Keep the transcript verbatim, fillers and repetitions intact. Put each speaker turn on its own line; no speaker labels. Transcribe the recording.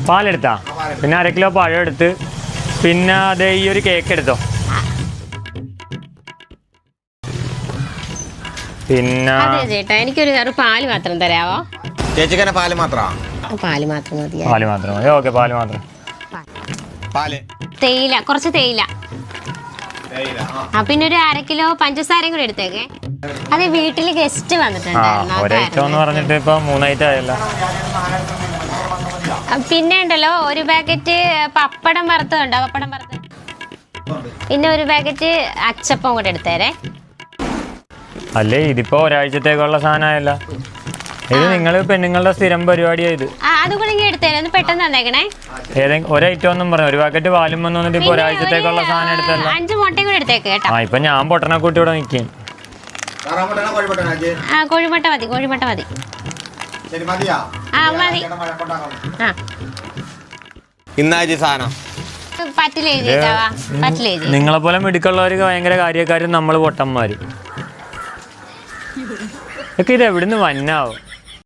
പാലെടുത്താ പിന്നെ അര കിലോ പഴം എടുത്ത് പിന്നെ അതേ ഈ ഒരു കേക്ക് എടുത്തോ പിന്നെ
ചേട്ടാ എനിക്കൊരു പാല് മാത്രം തരാവോ
ചേച്ചിക്ക് പാല് മാത്രമാ
പാല് മാത്രം മതി
പാല് മാത്രം മതി ഓക്കെ പാല് മാത്രം
പാല്
തേയില കുറച്ച് തേയില ആ പിന്നെ ഒരു അര കിലോ പഞ്ചസാരയും കൂടി എടുത്തേക്കെ അതെ വീട്ടില് ഗസ്റ്റ് വന്നിട്ടുണ്ടായിരുന്നു
പറഞ്ഞിട്ട് ഇപ്പൊ മൂന്നൈറ്റം ആയല്ലോ
പിന്നെ ഉണ്ടല്ലോ ഒരു പാക്കറ്റ് പപ്പടം വറുത്തതുണ്ടോ പപ്പടം വറുത്തത് പിന്നെ ഒരു പാക്കറ്റ് അച്ചപ്പം കൂടെ എടുത്തേരെ
അല്ലേ ഇതിപ്പോ ഒരാഴ്ചത്തേക്കുള്ള സാധനമായല്ല ഇത് നിങ്ങൾ പെണ്ണുങ്ങളുടെ സ്ഥിരം പരിപാടിയായത്
അതുകൂടെ എടുത്തേരെ ഒന്ന് പെട്ടെന്ന് തന്നേക്കണേ
ഏതെങ്കിലും ഒരൈറ്റം ഒന്നും പറഞ്ഞു ഒരു പാക്കറ്റ് പാലും വന്നിട്ട് ഇപ്പൊ ഒരാഴ്ചത്തേക്കുള്ള സാധനം എടുത്തല്ലോ
അഞ്ച് മുട്ടയും കൂടെ എടുത്തേക്ക് കേട്ടോ
ആ ഇപ്പൊ ഞാൻ പൊട്ടനെ കൂട്ടി ഇവിടെ നിൽക്കും
ആ കോഴിമുട്ട മതി കോഴിമുട്ട മതി ആ മതി ആ
ഇന്നാഴ്ച സാധനം
നിങ്ങളെ പോലെ മിടുക്കുള്ളവർക്ക് ഭയങ്കര കാര്യക്കാരും നമ്മള് പൊട്ടന്മാര് ഒക്കെ ഇത് എവിടുന്ന് വന്നാവും